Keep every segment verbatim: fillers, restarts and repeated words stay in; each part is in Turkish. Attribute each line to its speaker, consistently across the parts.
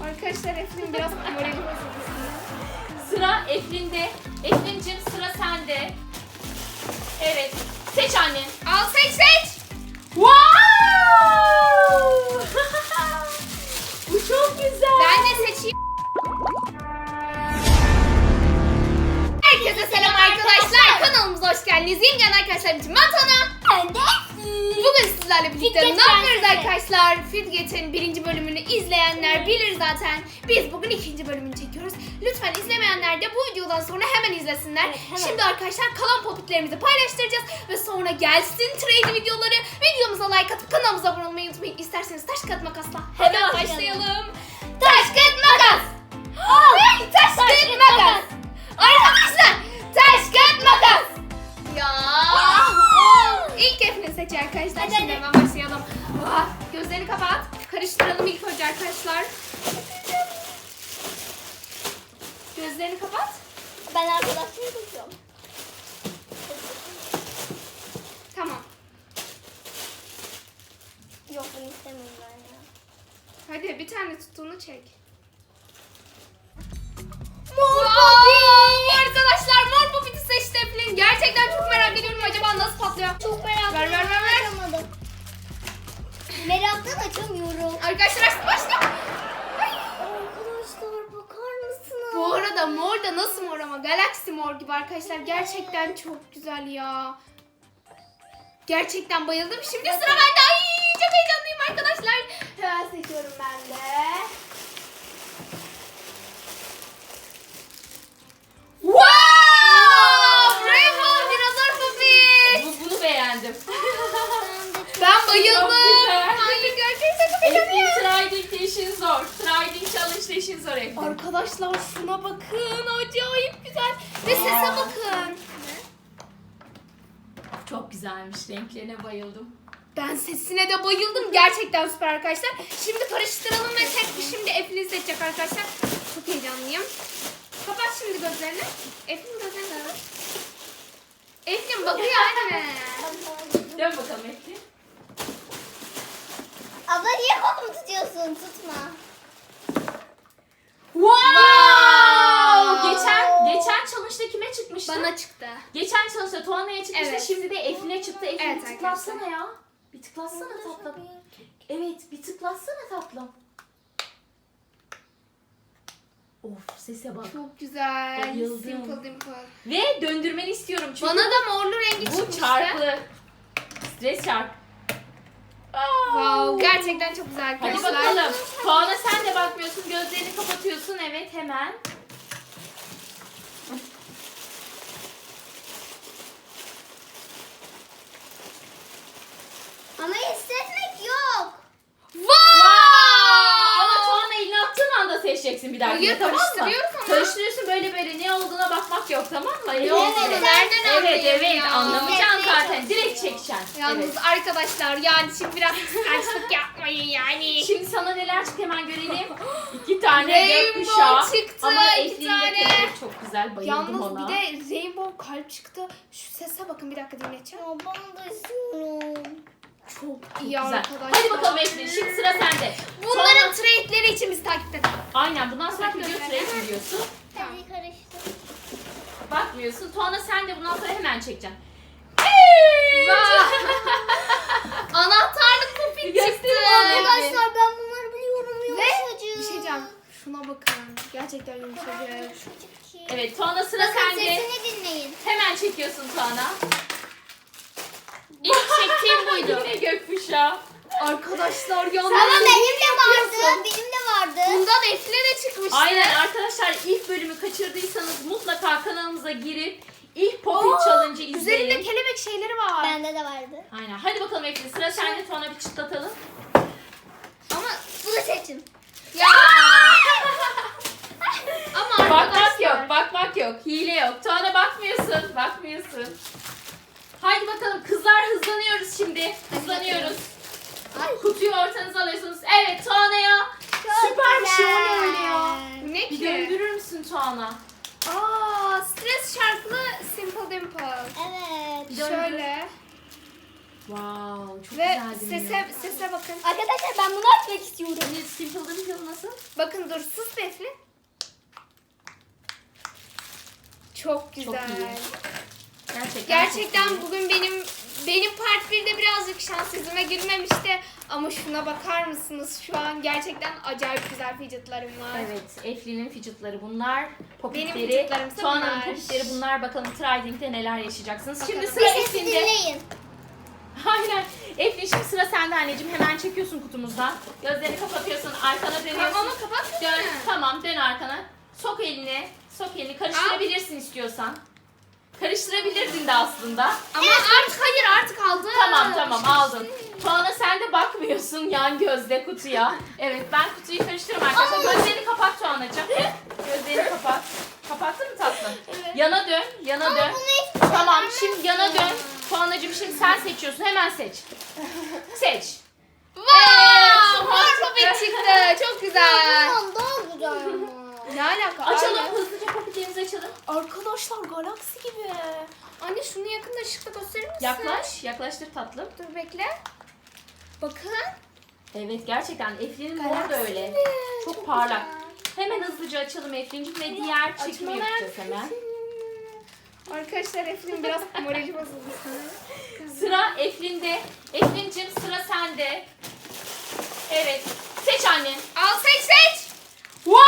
Speaker 1: Arkadaşlar Eflin biraz morali bozuldu.
Speaker 2: Sıra Eflin'de. Eflin'cim sıra sende. Evet. Seç anne.
Speaker 1: Al seç seç.
Speaker 2: Wow! Bu çok güzel.
Speaker 1: Ben de seçeyim. Herkese selam arkadaşlar. Kanalımıza hoş geldiniz. Yeni gelen arkadaşlarım için ben Tana.
Speaker 3: Ben de.
Speaker 1: Bugün sizlerle birlikte ne
Speaker 3: Fidget
Speaker 1: yapıyoruz
Speaker 3: Prensesi.
Speaker 1: arkadaşlar? Fidget'in birinci bölümünü izleyenler bilir zaten. Biz bugün ikinci bölümünü çekiyoruz. Lütfen izlemeyenler de bu videodan sonra hemen izlesinler.
Speaker 3: Evet, hemen.
Speaker 1: Şimdi arkadaşlar kalan popitlerimizi paylaştıracağız. Ve sonra gelsin trade videoları. Videomuza like atıp kanalımıza abone olmayı unutmayın. İsterseniz taş kağıt makasla hemen
Speaker 3: Hadi
Speaker 1: başlayalım. Taş kağıt makas. Ay, taş
Speaker 3: Taş
Speaker 1: kağıt
Speaker 3: kağıt
Speaker 1: makas. Arkadaşlar taş kağıt makas. Ya. İlk Eflin seçiyor arkadaşlar.
Speaker 3: Hadi,
Speaker 1: Şimdi
Speaker 3: hadi.
Speaker 1: hemen başlayalım. Ah, gözlerini kapat. Karıştıralım ilk önce arkadaşlar. Gözlerini kapat.
Speaker 3: Ben arkadaşlarım tutuyorum.
Speaker 1: Tamam.
Speaker 3: Yok bunu istemiyorum ben ya.
Speaker 1: Hadi bir tane tuttuğunu çek.
Speaker 3: Mor
Speaker 1: Wow, arkadaşlar mor popiti seçti Eflin. Gerçekten çok merak ediyorum acaba nasıl patlıyor.
Speaker 3: Çok merak
Speaker 1: Ver, ver, ver, ver.
Speaker 3: Açamadım. Meraktan açamıyorum.
Speaker 1: Arkadaşlar açtı başla.
Speaker 3: Arkadaşlar bakar mısınız?
Speaker 1: Bu arada mor da nasıl mor ama Galaxy mor gibi arkadaşlar. Gerçekten çok güzel ya. Gerçekten bayıldım. Şimdi sıra bende. Ay çok heyecanlıyım arkadaşlar. Hemen seçiyorum ben de. Wow! Rainbow dinozor popit.
Speaker 2: Bu, bunu beğendim.
Speaker 1: Ben bayıldım.
Speaker 2: Çok güzel.
Speaker 1: Ay gerçekten çok
Speaker 2: Eflin
Speaker 1: heyecanlıyım.
Speaker 2: Triding de işin zor. Triding Challenge de işin zor Eflin.
Speaker 1: Arkadaşlar şuna bakın. Acayip güzel. Ve sese bakın.
Speaker 2: Çok güzelmiş. Renklerine bayıldım.
Speaker 1: Ben sesine de bayıldım. Gerçekten süper arkadaşlar. Şimdi karıştıralım ve tek bir şimdi Eflin seçecek arkadaşlar. Çok heyecanlıyım. Kapat şimdi gözlerini. Eflin gözlerini kapat. Eflin bakıyor anne.
Speaker 2: Dön bakalım Eflin.
Speaker 3: Abla niye kolumu tutuyorsun? Tutma.
Speaker 2: Wow! Geçen geçen challenge'da kime çıkmıştı?
Speaker 1: Bana çıktı.
Speaker 2: Geçen challenge'da Tuana'ya çıkmıştı.
Speaker 1: Evet.
Speaker 2: Şimdi de Eflin'e çıktı. Eflin
Speaker 1: Evet
Speaker 2: bir tıklatsana ya. Bir tıklatsana
Speaker 3: Arkadaşlar,
Speaker 2: tatlım. Evet, bir tıklatsana tatlım. Of, sese bak.
Speaker 1: Çok güzel.
Speaker 2: Bayıldım.
Speaker 1: Simple dimple.
Speaker 2: Ve döndürmeni istiyorum çünkü
Speaker 1: Bana da morlu rengi
Speaker 2: bu
Speaker 1: çıkmıştı.
Speaker 2: çarpı. Stres çarpı.
Speaker 1: Wow, gerçekten çok güzel
Speaker 2: Hadi
Speaker 1: arkadaşlar.
Speaker 2: bakalım. Tuana sen de bakmıyorsun. Gözlerini kapatıyorsun. Evet, hemen.
Speaker 3: Ama hissetmek yok.
Speaker 1: Wow!
Speaker 2: Ama Tuana elini attığın anda seçeceksin bir dahakine,
Speaker 1: Hayır,
Speaker 2: tamam mı?
Speaker 1: karıştırıyoruz ama.
Speaker 2: Karıştırıyorsun böyle böyle ne olduğuna bakmak yok, tamam mı? Ne
Speaker 1: Evet,
Speaker 2: olduğunu
Speaker 1: nereden
Speaker 2: Evet
Speaker 1: anlayayım
Speaker 2: evet
Speaker 1: ya?
Speaker 2: anlamayacaksın
Speaker 3: Hissetmeye
Speaker 2: zaten. Direkt
Speaker 3: çalışıyorum.
Speaker 2: çekeceksin.
Speaker 1: Yalnız
Speaker 2: Evet.
Speaker 1: arkadaşlar yani şimdi biraz kıskançlık yapmayın yani.
Speaker 2: Şimdi sana neler çıktı hemen görelim. İki tane
Speaker 1: Rainbow
Speaker 2: gökkuşağı.
Speaker 1: çıktı,
Speaker 2: Ama
Speaker 1: iki
Speaker 2: Eflin'in
Speaker 1: tane.
Speaker 2: de kelebek çok güzel, bayıldım
Speaker 1: Yalnız
Speaker 2: ona.
Speaker 1: bir de rainbow kalp çıktı. Şu sese bakın bir dakika dinleteceğim.
Speaker 3: Ya ben de istiyorum.
Speaker 1: Çok iyi
Speaker 2: Güzel.
Speaker 1: arkadaşlar.
Speaker 2: Hadi bakalım Eflin, şimdi sıra sende.
Speaker 1: Bunların
Speaker 2: Sonra-
Speaker 1: trade'leri için bizi takip edin.
Speaker 2: Aynen, bundan sonraki
Speaker 1: Bak
Speaker 2: video
Speaker 1: gözlerine.
Speaker 2: trade biliyorsun.
Speaker 3: Hadi karıştır.
Speaker 2: Bakmıyorsun. Tuana sen de bundan sonra hemen çekeceksin.
Speaker 1: Anahtarlık popit çıktı.
Speaker 2: Gösterin bana.
Speaker 3: Arkadaşlar ben bunları biliyorum.
Speaker 1: Ve
Speaker 3: Yumuşacık.
Speaker 1: bir şey diyeceğim. Şuna bakın. Gerçekten yumuşacık.
Speaker 3: Yumuşacık ki.
Speaker 2: Evet, Tuana sıra
Speaker 3: Bakın
Speaker 2: sende.
Speaker 3: sesini dinleyin.
Speaker 2: Hemen çekiyorsun Tuana. İlk çektiğim buydu. Yine gökkuşağı.
Speaker 1: Arkadaşlar yalnız.
Speaker 3: Ama benim de
Speaker 1: yapıyorsun.
Speaker 3: vardı. Benim de vardı.
Speaker 1: Bundan Efle de çıkmıştı.
Speaker 2: Aynen arkadaşlar, ilk bölümü kaçırdıysanız mutlaka kanalımıza girip ilk Popit
Speaker 1: Aa,
Speaker 2: Challenge'ı
Speaker 1: Üzerinde
Speaker 2: izleyin.
Speaker 1: kelebek şeyleri var.
Speaker 3: Bende de vardı.
Speaker 2: Aynen. Hadi bakalım Eflin, sıra sende. Tuana bir çıtlatalım.
Speaker 1: Ama
Speaker 3: Bunu seçin.
Speaker 1: ya. Ama
Speaker 2: Bakmak
Speaker 1: arkadaşlar.
Speaker 2: yok, bakmak yok. Hile yok. Tuana bakmıyorsun, bakmıyorsun. Haydi bakalım kızlar, hızlanıyoruz şimdi. Hızlanıyoruz.
Speaker 3: Ay.
Speaker 2: Kutuyu ortanıza alıyorsunuz. Evet, Tuana'ya süper bir şey oluyor öyle ya.
Speaker 1: Bu ne
Speaker 2: Bir
Speaker 1: ki?
Speaker 2: döndürür müsün Tuana?
Speaker 1: Aa, stres şarkılı Simple Dimple.
Speaker 3: Evet.
Speaker 2: Döndür.
Speaker 1: Şöyle.
Speaker 2: Wow, çok
Speaker 1: Ve
Speaker 2: güzel dönüyor.
Speaker 1: sese, sese bakın.
Speaker 3: Arkadaşlar ben bunu açmak istiyorum.
Speaker 2: Hani Simple Dimple nasıl nasıl?
Speaker 1: Bakın dur sus be Eflin. Çok güzel.
Speaker 2: Çok iyi. Gerçekten.
Speaker 1: Gerçekten
Speaker 2: çok iyi.
Speaker 1: bugün benim benim part birde birazcık şans yüzüme gülmemişti. Ama şuna bakar mısınız? Şu an gerçekten acayip güzel fidgetlarım var.
Speaker 2: Evet, Eflin'in fidgetları bunlar. Popitleri,
Speaker 1: fidgetlarımsa
Speaker 2: Tuana'nın
Speaker 1: bunlar.
Speaker 2: popitleri bunlar. Bakalım Trading'de neler yaşayacaksınız. Şimdi
Speaker 1: Bakalım.
Speaker 2: sıra
Speaker 3: Bir sesi
Speaker 2: Eflin'de.
Speaker 3: dinleyin.
Speaker 2: Aynen. Eflin şimdi sıra sende anneciğim. Hemen çekiyorsun kutumuzdan. Gözlerini kapatıyorsun. Arkana dönüyorsun.
Speaker 1: Tamam ama kapatmadın
Speaker 2: Dön.
Speaker 1: mı?
Speaker 2: Tamam dön arkana. Sok elini. Sok elini. Karıştırabilirsin istiyorsan. Karıştırabilirdin de aslında.
Speaker 1: Ama artık hayır artık aldım.
Speaker 2: Tamam tamam aldın. Tuana sen de bakmıyorsun yan gözle kutuya. Evet ben kutuyu karıştırırım arkadaşlar. Gözlerini kapat Tuana'cığım. Gözlerini kapat. Kapattın mı tatlım?
Speaker 1: Evet.
Speaker 2: Yana dön. Yana
Speaker 3: Ama
Speaker 2: dön.
Speaker 3: bunu hiç
Speaker 2: Tamam şimdi yana dön. Tuana'cığım şimdi sen seçiyorsun. Hemen seç. Seç.
Speaker 1: Wow! Mor
Speaker 2: Evet,
Speaker 1: popit
Speaker 2: çıktı.
Speaker 1: çıktı. Çok güzel.
Speaker 3: Bundan daha güzel ama.
Speaker 1: Ne alaka?
Speaker 2: Açalım
Speaker 1: Aynen.
Speaker 2: hızlıca popitlerimizi açalım.
Speaker 1: Arkadaşlar galaksi gibi. Anne şunu yakında ışıkta gösterir misin?
Speaker 2: Yaklaş. Yaklaştır tatlım.
Speaker 1: Dur bekle. Bakın.
Speaker 2: Evet gerçekten Eflin'in moru da
Speaker 1: Galaksi
Speaker 2: öyle.
Speaker 1: gibi.
Speaker 2: Çok, parlak. Hemen hızlıca açalım Eflin'cim ve diğer çekimi
Speaker 1: Açma
Speaker 2: yapacağız hemen.
Speaker 1: Arkadaşlar Eflin biraz morali bozuldu.
Speaker 2: Sıra Eflin'de. Eflin'cim sıra sende. Evet. Seç anne.
Speaker 1: Al seç seç.
Speaker 2: Wow!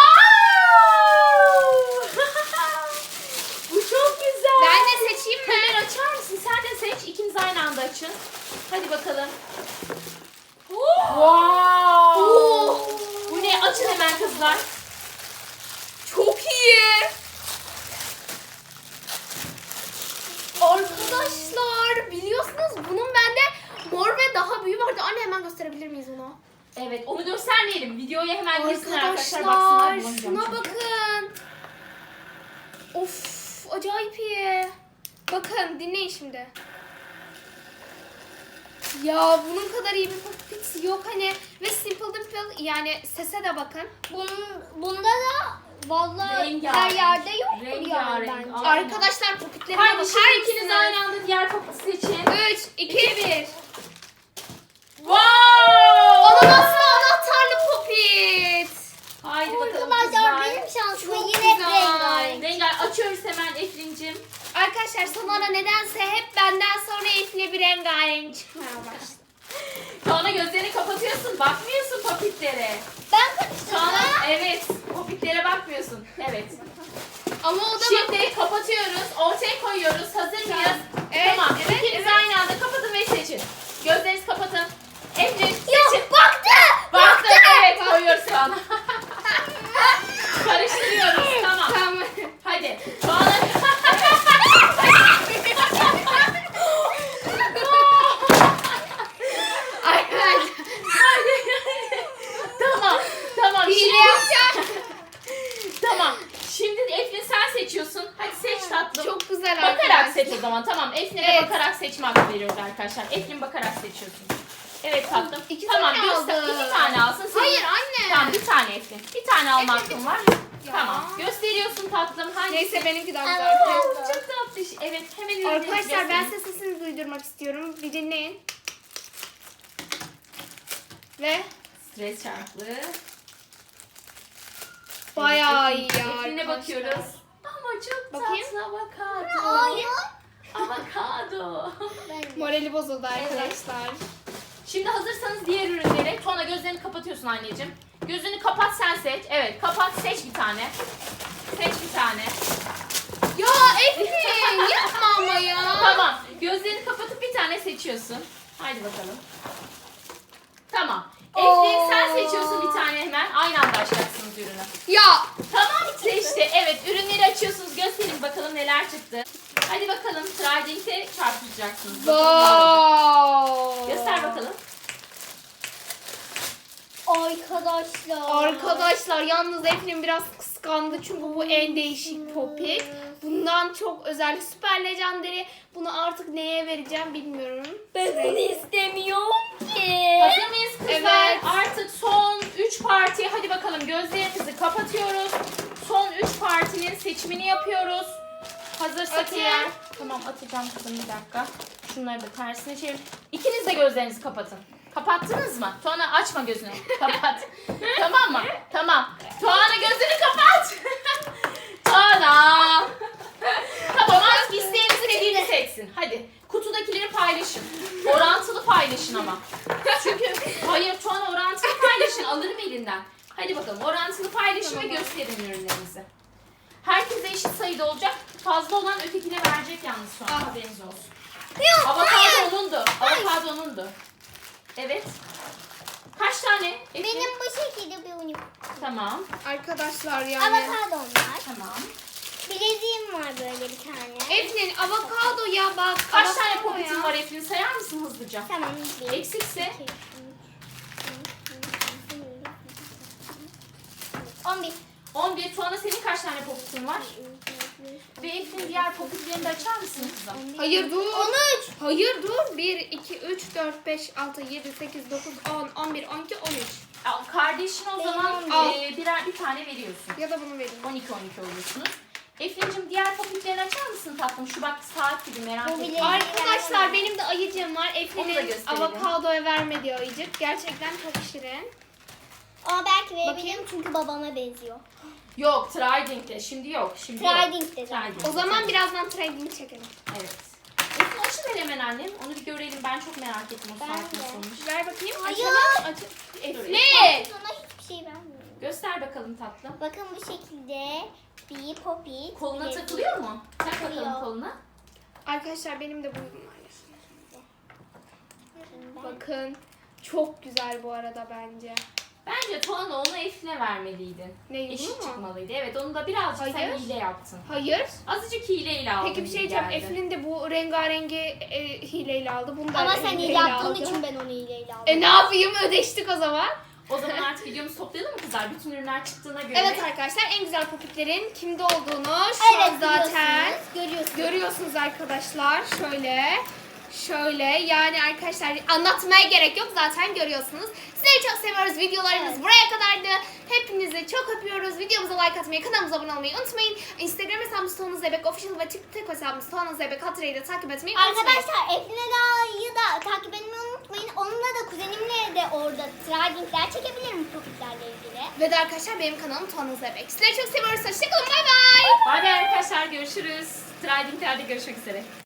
Speaker 2: Bu çok güzel.
Speaker 1: Ben de seçeyim mi?
Speaker 2: Hemen açar mısın? Sen de seç. İkiniz aynı anda açın. Hadi bakalım. Wow! Bu ne? Açın hemen kızlar.
Speaker 1: Çok iyi. Arkadaşlar biliyorsunuz bunun bende mor ve daha büyüğü vardı. Anne hemen gösterebilir miyiz onu?
Speaker 2: Evet, onu göstermeyelim. Videoya hemen girsinler arkadaşlar. Baksınlar.
Speaker 1: Arkadaşlar
Speaker 2: bulamayacağım
Speaker 1: şuna
Speaker 2: çünkü.
Speaker 1: bakın. Of acayip iyi. Bakın dinleyin şimdi. Ya bunun kadar iyi bir popit yok hani ve Simple Dimple yani sese de bakın.
Speaker 3: Bunun, bunda da vallahi
Speaker 2: Rengarenk.
Speaker 3: her yerde yoktur yani
Speaker 2: Rengarenk.
Speaker 3: bence.
Speaker 2: Aynen.
Speaker 1: Arkadaşlar popitlerime
Speaker 2: Haydi
Speaker 1: bakar
Speaker 2: şimdi ikiniz
Speaker 1: mısınız?
Speaker 2: aynı anda diğer popiti seçin.
Speaker 1: üç, iki, bir.
Speaker 2: Wow!
Speaker 1: Ananaslı anahtarlı popit.
Speaker 2: Haydi bakalım
Speaker 3: Arkadaşlar
Speaker 2: kızlar.
Speaker 3: benim şansıma
Speaker 1: Çok
Speaker 3: yine
Speaker 1: güzel.
Speaker 3: rengarenk.
Speaker 2: Rengar açıyoruz hemen Eflin'cim.
Speaker 1: Arkadaşlar sonra nedense hep benden sonra Efne bir rengarenk çıkmaya başladı.
Speaker 2: Tuana gözlerini kapatıyorsun. Bakmıyorsun popitlere.
Speaker 3: Ben karıştırdım.
Speaker 2: Tuana evet. Popitlere bakmıyorsun. Evet.
Speaker 1: Ama o da bak.
Speaker 2: Şimdi kapatıyoruz. Ortaya koyuyoruz. Hazır mıyız?
Speaker 1: Evet,
Speaker 2: Tamam.
Speaker 1: evet,
Speaker 2: İkiniz
Speaker 1: evet.
Speaker 2: aynı anda kapatın ve seçin. Gözlerinizi kapatın. Eflin seçin.
Speaker 3: Ya baktı.
Speaker 2: Baktın evet koyuyoruz şu an. Karıştırıyoruz. Tamam.
Speaker 1: Tamam.
Speaker 2: Hadi. Tuana.
Speaker 1: Arkadaşlar.
Speaker 2: Hadi. Tamam. Tamam.
Speaker 1: Hile
Speaker 2: Şimdi,
Speaker 1: yapacağım.
Speaker 2: tamam. Şimdi Eflin sen seçiyorsun. Hadi seç tatlım.
Speaker 1: Çok güzel
Speaker 2: Bakarak
Speaker 1: arkadaşlar.
Speaker 2: seç o zaman. Tamam. Eflin'e
Speaker 1: Evet.
Speaker 2: de bakarak seçme hakkı veriyoruz arkadaşlar. Eflin bakarak seçiyorsun. Evet tatlım.
Speaker 1: İki
Speaker 2: tamam.
Speaker 1: tane
Speaker 2: göster.
Speaker 1: aldım.
Speaker 2: İki tane alsın. Senin-
Speaker 1: Hayır anne.
Speaker 2: Tamam bir tane Eflin. Bir tane alma
Speaker 1: Eflin,
Speaker 2: hakkın var.
Speaker 1: Ya.
Speaker 2: Tamam. Gösteriyorsun tatlım. Hangisi?
Speaker 1: Neyse benimki daha güzel.
Speaker 3: Evet.
Speaker 2: Oo, çok tatlı. Evet hemen ürünleri
Speaker 1: Arkadaşlar ben
Speaker 2: gösterin.
Speaker 1: size sesini duydurmak istiyorum. Bir dinleyin. Ve
Speaker 2: Stres çarklı.
Speaker 1: bayağı
Speaker 2: Evet,
Speaker 1: iyi
Speaker 2: Eflin-
Speaker 1: ya
Speaker 2: Eflin'e
Speaker 1: arkadaşlar.
Speaker 2: bakıyoruz. Ama çok
Speaker 1: Bakayım.
Speaker 2: tatlı avokado.
Speaker 3: Hayır.
Speaker 2: Avokado.
Speaker 3: Ben
Speaker 1: Morali bozuldu arkadaşlar.
Speaker 2: Şimdi hazırsanız diğer ürünleri. Tuana gözlerini kapatıyorsun anneciğim. Gözünü kapat sen seç. Evet kapat seç bir tane. Seç bir tane.
Speaker 1: Ya Eflin yapma ama ya.
Speaker 2: Tamam. Gözlerini kapatıp bir tane seçiyorsun. Haydi bakalım. Tamam. Eflin sen
Speaker 1: Oo.
Speaker 2: seçiyorsun bir tane hemen. Aynı anda açacaksınız ürünü.
Speaker 1: Ya.
Speaker 2: Tamam seçti. Evet ürünleri açıyorsunuz. Gösterin bakalım neler çıktı. Hadi bakalım. Trading'de çarpışacaksınız. Bakalım ne olacak.
Speaker 1: Wow.
Speaker 2: Göster bakalım.
Speaker 3: Arkadaşlar.
Speaker 1: Arkadaşlar yalnız Eflin biraz kıskandı çünkü bu en değişik popit. Bundan çok özel süper legendary. Bunu artık neye vereceğim bilmiyorum.
Speaker 3: Ben bunu istemiyorum ki.
Speaker 2: Hazır mıyız kızlar?
Speaker 1: Evet.
Speaker 2: Artık son üç parti. Hadi bakalım gözlerimizi kapatıyoruz. Son üç partinin seçimini yapıyoruz. Hazırsak
Speaker 1: Atayım.
Speaker 2: eğer. Tamam atacağım kızım bir dakika. Şunları da tersine çevir. İkiniz de gözlerinizi kapatın. Kapattınız mı? Tuana açma gözünü. Kapat. Tamam mı? Tamam. Hadi bakalım orantılı paylaşın
Speaker 1: Tamam.
Speaker 2: ve gösterin ürünlerinizi. Herkese eşit sayıda olacak. Fazla olan ötekine verecek yalnız şu an.
Speaker 1: Ah.
Speaker 2: Haberiniz olsun.
Speaker 3: Yok,
Speaker 2: Avokado
Speaker 3: hayır.
Speaker 2: onundu. Avokado onundu. Evet. Kaç tane? Eflin?
Speaker 3: Benim bu şekilde bir unicorn.
Speaker 2: Tamam.
Speaker 1: Arkadaşlar yani.
Speaker 3: Avokadom var.
Speaker 2: Tamam.
Speaker 3: Bileziğim var böyle bir tane.
Speaker 1: Eflin avokado ya bak.
Speaker 2: Kaç
Speaker 1: avokado
Speaker 2: tane popitin
Speaker 1: ya.
Speaker 2: var Eflin? Sayar mısın hızlıca?
Speaker 3: Tamam. Bir,
Speaker 2: Eksikse?
Speaker 3: iki, üç, on bir.
Speaker 2: on bir. Tuana senin kaç tane popitin var? Ve Eflin diğer popitlerini de açar mısın kızım?
Speaker 1: Hayır dur.
Speaker 3: on üç.
Speaker 1: Hayır dur. bir, iki, üç, dört, beş, altı, yedi, sekiz, dokuz, on, on bir, on iki, on üç.
Speaker 2: Al, Kardeşin o
Speaker 3: Benim
Speaker 2: zaman
Speaker 3: on
Speaker 1: bir.
Speaker 2: e, birer bir tane veriyorsun.
Speaker 1: Ya da bunu vereyim.
Speaker 2: on iki on iki oluyorsunuz. Eflin'cim diğer popitlerini açar mısın tatlım? Şu bak saat gibi merak
Speaker 3: Bu
Speaker 2: ettim.
Speaker 3: bile-
Speaker 1: Arkadaşlar benim de ayıcığım var.
Speaker 2: Onu da
Speaker 1: Eflin'in
Speaker 2: gösterelim.
Speaker 1: avokadoya vermediği ayıcık. Gerçekten çok şirin.
Speaker 3: Ama belki verebilirim
Speaker 1: Bakayım.
Speaker 3: çünkü babama benziyor.
Speaker 2: Yok, Trident'te. Şimdi yok. Şimdi yok.
Speaker 3: Trident'te zaten.
Speaker 2: Trident.
Speaker 1: O zaman birazdan trading çekelim.
Speaker 2: Evet. Eflin açıver hemen annem. Onu bir görelim. Ben çok merak ettim o
Speaker 3: Ben
Speaker 2: saat
Speaker 3: de.
Speaker 2: nasıl olmuş.
Speaker 1: Ver bakayım.
Speaker 3: Hayır.
Speaker 1: Açalım. Aç Eflin.
Speaker 3: Sana hiçbir şey vermiyorum.
Speaker 2: Göster bakalım tatlım.
Speaker 3: Bakın bu şekilde bir popit.
Speaker 2: Koluna
Speaker 3: bilezik.
Speaker 2: takılıyor mu? Tak bakalım
Speaker 3: Takılıyor.
Speaker 2: koluna.
Speaker 1: Arkadaşlar benim de bu ürün var.
Speaker 3: Ben-
Speaker 1: Bakın. Çok güzel bu arada bence.
Speaker 2: Bence Tuana onu Eflin'e vermeliydin.
Speaker 1: Ne
Speaker 2: Eşit
Speaker 1: bunu mu?
Speaker 2: çıkmalıydı. Evet onu da birazcık sen
Speaker 1: Hayır.
Speaker 2: hile yaptın.
Speaker 1: Hayır.
Speaker 2: Azıcık hileyle aldın.
Speaker 1: Peki bir şey
Speaker 2: gibi
Speaker 1: diyeceğim.
Speaker 2: geldi.
Speaker 1: Eflin de bu rengarengi e, hileyle aldı. Bunu da
Speaker 3: Ama sen iyi
Speaker 1: hileyle
Speaker 3: yaptığın
Speaker 1: aldı.
Speaker 3: için ben onu iyiyle aldım.
Speaker 1: E ne yapayım? Ödeştik o zaman.
Speaker 2: O zaman artık videomuzu toplayalım mı kızlar? Bütün ürünler çıktığına göre.
Speaker 1: Evet arkadaşlar en güzel popitlerin kimde olduğunu şu
Speaker 3: Evet
Speaker 1: an zaten
Speaker 3: biliyorsunuz, görüyorsunuz.
Speaker 1: görüyorsunuz arkadaşlar. Şöyle. Şöyle yani arkadaşlar anlatmaya gerek yok zaten görüyorsunuz. Sizleri çok seviyoruz. Videolarımız
Speaker 3: Evet.
Speaker 1: buraya kadardı. Hepinizi çok öpüyoruz. Videomuza like atmayı, kanalımıza abone olmayı unutmayın. Instagram hesabımız Tuana Zeybek Official ve TikTok hesabımız Tuana Zeybek Hatırayı da takip etmeyi unutmayın.
Speaker 3: Arkadaşlar Efline Dağ'ı da takip etmeyi unutmayın. Onunla da kuzenimle de orada tradingler çekebilirim popitlerle ilgili.
Speaker 1: Ve de arkadaşlar benim kanalım Tuana Zeybek. Sizleri çok seviyoruz. Hoşçakalın. Bay bay.
Speaker 2: Hadi arkadaşlar görüşürüz. Trading'lerde görüşmek üzere.